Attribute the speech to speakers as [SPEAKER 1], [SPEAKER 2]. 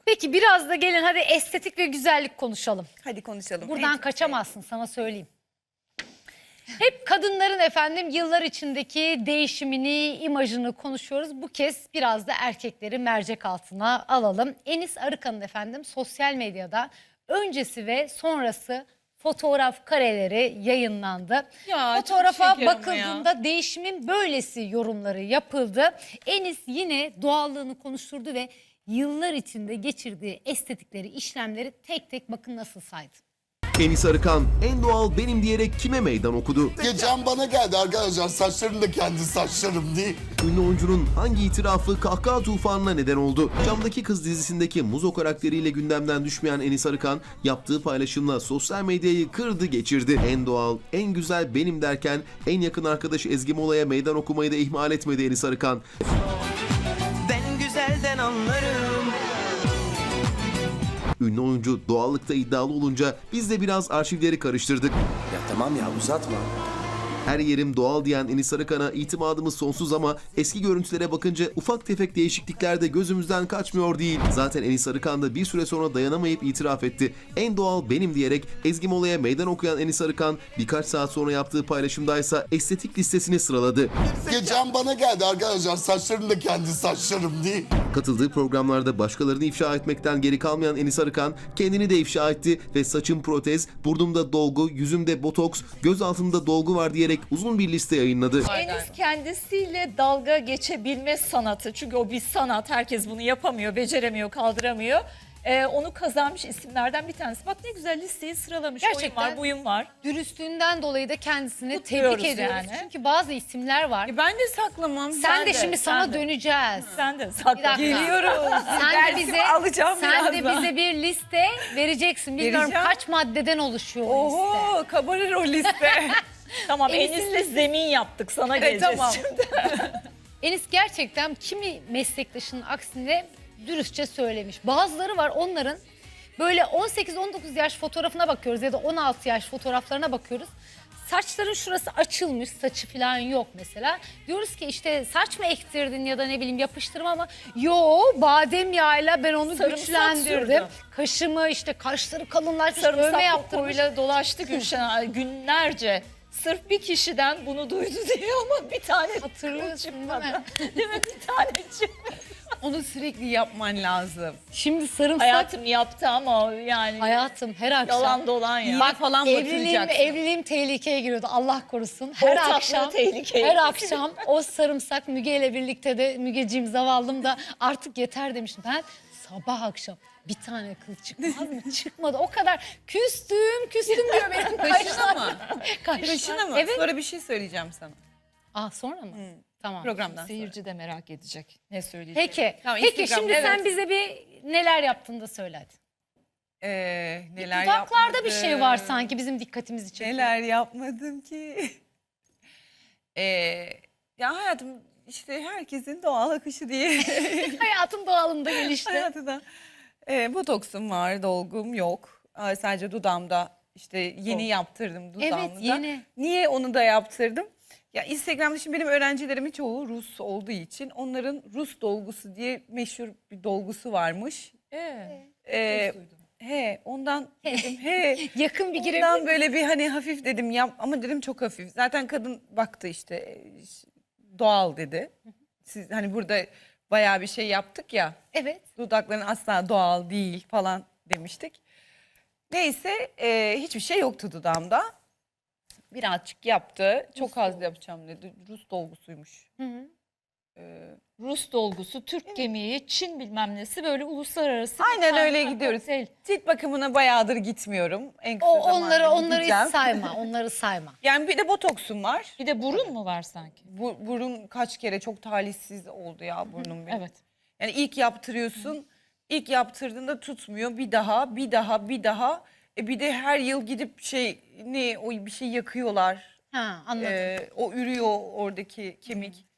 [SPEAKER 1] Peki biraz da gelin hadi estetik ve güzellik konuşalım.
[SPEAKER 2] Hadi konuşalım.
[SPEAKER 1] Buradan kaçamazsın, sana söyleyeyim. Hep kadınların efendim yıllar içindeki değişimini, imajını konuşuyoruz. Bu kez biraz da erkekleri mercek altına alalım. Enis Arıkan'ın efendim sosyal medyada öncesi ve sonrası fotoğraf kareleri yayınlandı.
[SPEAKER 2] Ya, çok
[SPEAKER 1] fotoğrafa
[SPEAKER 2] şeker ama
[SPEAKER 1] bakıldığında değişimin böylesi yorumları yapıldı. Enis yine doğallığını konuşturdu ve yıllar içinde geçirdiği estetikleri, işlemleri tek tek bakın nasıl saydı.
[SPEAKER 3] Enis Arıkan en doğal benim diyerek kime meydan okudu?
[SPEAKER 4] Gecem bana geldi arkadaşlar, saçlarım da kendi saçlarım değil.
[SPEAKER 3] Ünlü oyuncunun hangi itirafı kahkaha tufanına neden oldu? Camdaki Kız dizisindeki Muzo karakteriyle gündemden düşmeyen Enis Arıkan yaptığı paylaşımla sosyal medyayı kırdı geçirdi. En doğal, en güzel benim derken en yakın arkadaşı Ezgi Mola'ya meydan okumayı da ihmal etmedi Enis Arıkan.
[SPEAKER 5] Ben güzelden anlarım.
[SPEAKER 3] Ünlü oyuncu doğallıkta iddialı olunca biz de biraz arşivleri karıştırdık.
[SPEAKER 6] Ya tamam ya, uzatma.
[SPEAKER 3] Her yerim doğal diyen Enis Arıkan'a itimadımız sonsuz ama eski görüntülere bakınca ufak tefek değişiklikler de gözümüzden kaçmıyor değil. Zaten Enis Arıkan da bir süre sonra dayanamayıp itiraf etti. En doğal benim diyerek Ezgi Mola'ya meydan okuyan Enis Arıkan birkaç saat sonra yaptığı paylaşımdaysa estetik listesini sıraladı.
[SPEAKER 4] Gecem bana geldi arkadaşlar, saçlarım da kendi saçlarım değil.
[SPEAKER 3] Katıldığı programlarda başkalarını ifşa etmekten geri kalmayan Enis Arıkan kendini de ifşa etti ve saçım protez, burnumda dolgu, yüzümde botoks, göz altımda dolgu var diyerek uzun bir liste yayınladı.
[SPEAKER 7] Enis kendisiyle dalga geçebilme sanatı. Çünkü o bir sanat. Herkes bunu yapamıyor, beceremiyor, kaldıramıyor. Onu kazanmış isimlerden bir tanesi. Bak ne güzel listeyi sıralamış.
[SPEAKER 1] Gerçekten.
[SPEAKER 7] Oyun var, buyum var.
[SPEAKER 1] Dürüstlüğünden dolayı da kendisini
[SPEAKER 7] Kutluyoruz
[SPEAKER 1] tebrik ediyoruz.
[SPEAKER 7] yani.
[SPEAKER 1] Çünkü bazı isimler var.
[SPEAKER 2] Ben de saklamam.
[SPEAKER 1] Sen de şimdi sana
[SPEAKER 7] sen de.
[SPEAKER 1] döneceğiz.
[SPEAKER 7] Sen de
[SPEAKER 1] Bir
[SPEAKER 7] sakla.
[SPEAKER 1] dakika.
[SPEAKER 2] Geliyoruz.
[SPEAKER 1] Sen de
[SPEAKER 2] Dersimi
[SPEAKER 1] bize
[SPEAKER 2] alacağım
[SPEAKER 1] sen de
[SPEAKER 2] birazdan.
[SPEAKER 1] bize bir liste vereceksin. Bilmiyorum
[SPEAKER 2] Vereceğim.
[SPEAKER 1] kaç maddeden oluşuyor o liste.
[SPEAKER 2] Oho, kabarır o liste.
[SPEAKER 7] Tamam
[SPEAKER 1] Enis'in
[SPEAKER 7] Enis'le zemin yaptık. Sana
[SPEAKER 2] Evet,
[SPEAKER 7] geleceğiz
[SPEAKER 2] tamam.
[SPEAKER 7] şimdi.
[SPEAKER 1] Enis gerçekten kimi meslektaşının aksine dürüstçe söylemiş. Bazıları var onların böyle 18-19 yaş fotoğrafına bakıyoruz ya da 16 yaş fotoğraflarına bakıyoruz. Saçların şurası açılmış, saçı falan yok mesela. Diyoruz ki işte saç mı ektirdin ya da ne bileyim yapıştırma ama yo, badem yağıyla ben onu
[SPEAKER 7] Sarımsak
[SPEAKER 1] güçlendirdim.
[SPEAKER 7] sürdüm.
[SPEAKER 1] Kaşımı işte kaşları kalınlaştırmış, dövme
[SPEAKER 7] Sarımsak
[SPEAKER 1] yaptırmış.
[SPEAKER 7] kokuyla dolaştı Gülşen günlerce. Sırf bir kişiden bunu duydu diye ama bir tane
[SPEAKER 1] Hatırlıyorsun değil
[SPEAKER 7] çıkmadı.
[SPEAKER 1] mi?
[SPEAKER 7] Değil mi? Bir tane çıkmadı.
[SPEAKER 2] Onu sürekli yapman lazım.
[SPEAKER 1] Şimdi sarımsak
[SPEAKER 7] Hayatım yaptı ama yani
[SPEAKER 1] hayatım her akşam.
[SPEAKER 7] yalan dolan ya.
[SPEAKER 2] Bak falan batıracaksın.
[SPEAKER 1] Evliliğim tehlikeye giriyordu. Allah korusun. Her
[SPEAKER 7] Ortaklığı
[SPEAKER 1] akşam
[SPEAKER 7] tehlikeye
[SPEAKER 1] her
[SPEAKER 7] giriyor.
[SPEAKER 1] akşam o sarımsak Müge ile birlikte de Mügeciğim zavallım da artık yeter demiştim. Ben sabah akşam bir tane kıl çıkmaz mı? Çıkmadı. O kadar küstüm diyor benim
[SPEAKER 2] Kaşına mı?
[SPEAKER 1] kaşlar.
[SPEAKER 2] Kaşına mı?
[SPEAKER 1] Evet.
[SPEAKER 2] Sonra bir şey söyleyeceğim sana.
[SPEAKER 1] Sonra mı? Tamam.
[SPEAKER 2] Programdan sonra.
[SPEAKER 7] Seyirci de merak edecek. Ne söyleyecek?
[SPEAKER 1] Peki.
[SPEAKER 2] Tamam,
[SPEAKER 1] Peki
[SPEAKER 2] Instagram'da,
[SPEAKER 1] şimdi sen
[SPEAKER 2] evet.
[SPEAKER 1] bize bir neler yaptın da söyle hadi.
[SPEAKER 2] Neler
[SPEAKER 1] Dudaklarda bir şey var
[SPEAKER 2] yapmadım.
[SPEAKER 1] sanki bizim dikkatimizi çekiyor.
[SPEAKER 2] Neler yapmadım ki? Ya hayatım işte herkesin doğal akışı diye.
[SPEAKER 1] Hayatın doğalında gelişti.
[SPEAKER 2] Hayatında. Botoksum var, dolgum yok. Sadece dudağımda işte yeni yaptırdım dudağımda.
[SPEAKER 1] Evet, yeni.
[SPEAKER 2] Niye onu da yaptırdım? Ya Instagram'da şimdi benim öğrencilerimin çoğu Rus olduğu için onların Rus dolgusu diye meşhur bir dolgusu varmış. Ondan dedim
[SPEAKER 1] Yakın bir girebilir
[SPEAKER 2] ondan böyle bir hani hafif dedim yap ama dedim çok hafif. Zaten kadın baktı işte doğal dedi. Siz hani burada bayağı bir şey yaptık ya.
[SPEAKER 1] Evet.
[SPEAKER 2] Dudakların asla doğal değil falan demiştik. Neyse hiçbir şey yoktu dudağımda. Birazcık yaptı. Çok az yapacağım dedi. Rus dolgusuymuş.
[SPEAKER 7] Rus dolgusu, Türk kemiği, Çin bilmem nesi böyle uluslararası.
[SPEAKER 2] Aynen
[SPEAKER 7] bir
[SPEAKER 2] öyle
[SPEAKER 7] tane
[SPEAKER 2] gidiyoruz.
[SPEAKER 7] kokteyl.
[SPEAKER 2] Cilt bakımına bayağıdır gitmiyorum. En kısa
[SPEAKER 1] Onları
[SPEAKER 2] zamanda gideceğim.
[SPEAKER 1] hiç sayma. Onları sayma.
[SPEAKER 2] Yani bir de botoksum var.
[SPEAKER 7] Bir de burun mu var sanki?
[SPEAKER 2] Burun kaç kere çok talihsiz oldu ya burnum benim.
[SPEAKER 7] Evet.
[SPEAKER 2] Yani ilk yaptırıyorsun. İlk yaptırdığında tutmuyor. Bir daha. Bir de her yıl gidip bir şey yakıyorlar.
[SPEAKER 1] Ha, anladım.
[SPEAKER 2] O ürüyor oradaki kemik.